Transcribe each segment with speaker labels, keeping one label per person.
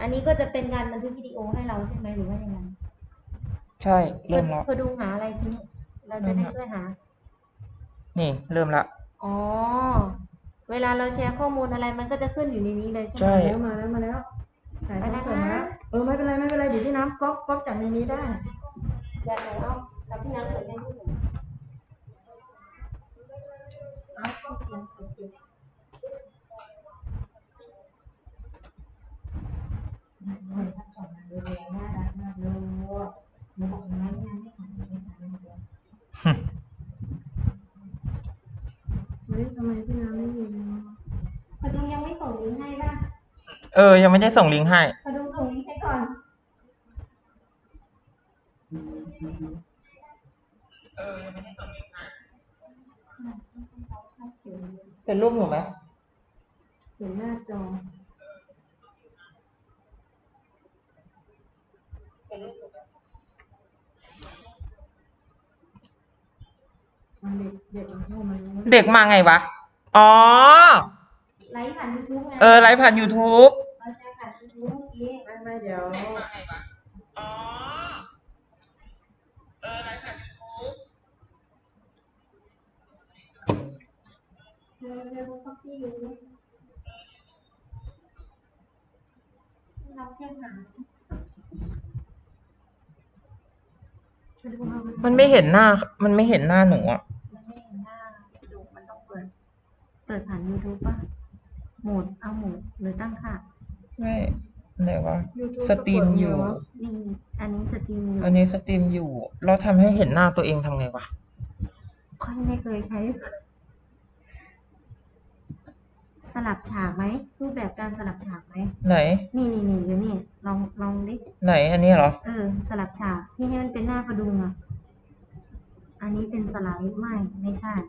Speaker 1: อันนี้ก็จะเป็นการบันทึกวิดีโอให้เราใช่ไหมหรือว่ายังไง
Speaker 2: ใช่เริ่มแล้ว
Speaker 1: พอดูหาอะไรทีนี้เราจะได้ช่วยหา
Speaker 2: นี่เริ่มละ
Speaker 1: อ๋อเวลาเราแชร์ข้อมูลอะไรมันก็จะขึ้นอยู่ในนี้เลยใช่ไหม
Speaker 2: ใช่
Speaker 3: มาแล้วถ่ายทอดสดมาแล้วไม่เป็นไรเดี๋ยวพี่น้ำก๊อกจากในนี้ได้
Speaker 1: อยากไหนเอากับพี่น้ำเสร็จยังไม่หนูเอาเสียง
Speaker 3: หน่อยทั้งสองงานดูแลน่ารักมากเลยหนูบอกงานไม่ผ่านไม่ผ่านไม่ผ่านเฮ้ยทำไมพี่น้ำไม่ยิน
Speaker 1: พอดูยังไม่ส่งลิงก์ให้ป่ะ
Speaker 2: ยังไม่ได้ส่งลิงก์ให้
Speaker 1: พอดูส่งลิงก์ให้ก่อน
Speaker 2: ยังไม่ได้ส่งลิงก์ให้เป็นรูปหนูไหม
Speaker 3: เห็นหน้าจอ
Speaker 2: เด็กมาไงวะอ๋อ
Speaker 1: ไลฟ์ผ่าน YouTube ไง
Speaker 2: ไลฟ์ผ่าน YouTube
Speaker 1: เราแชร์ผ่าน YouTube เมื่อกี้
Speaker 3: ไม่เดี๋ยว
Speaker 2: เด็กมาไงวะอ๋อไลฟ์ผ่าน YouTube
Speaker 1: เธอรู้ข้อที่อยู่เราเชื่อหา
Speaker 2: มันไม่เห็นหน้าหนูอ่ะ
Speaker 1: มันไม่เห็นหน้าดูมันต้องเปิดผ่าน YouTube ป่ะโหมดเอาโหมดหรือตั้งค่า
Speaker 2: ไม่ไหนวะสตรีมอยู่
Speaker 1: นี่อันนี้สตรีมอยู่
Speaker 2: เราทำให้เห็นหน้าตัวเองทำไงวะ
Speaker 1: ค่อยไม่เคยใช้สลับฉากไหมรูปแบบการสลับฉากไหม
Speaker 2: ไหน
Speaker 1: นี่อยู่นี่ลองดิ
Speaker 2: ไหนอันนี้เหรอ
Speaker 1: สลับฉากที่ให้มันเป็นหน้าพดุงอ่ะอันนี้เป็นสไลด์ไม่ใช่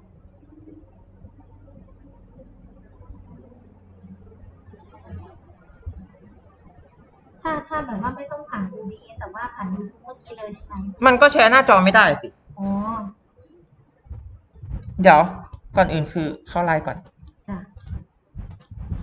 Speaker 1: ถ้าแบบว่าไม่ต้องผ่าน OBS แต่ว่าผ่าน YouTube เมื่อกี้เลยได้ไหม
Speaker 2: มันก็แชร์หน้าจอไม่ได้สิ
Speaker 1: อ๋อ
Speaker 2: เดี๋ยวก่อนอื่นคือเข้าไลน์ก่อน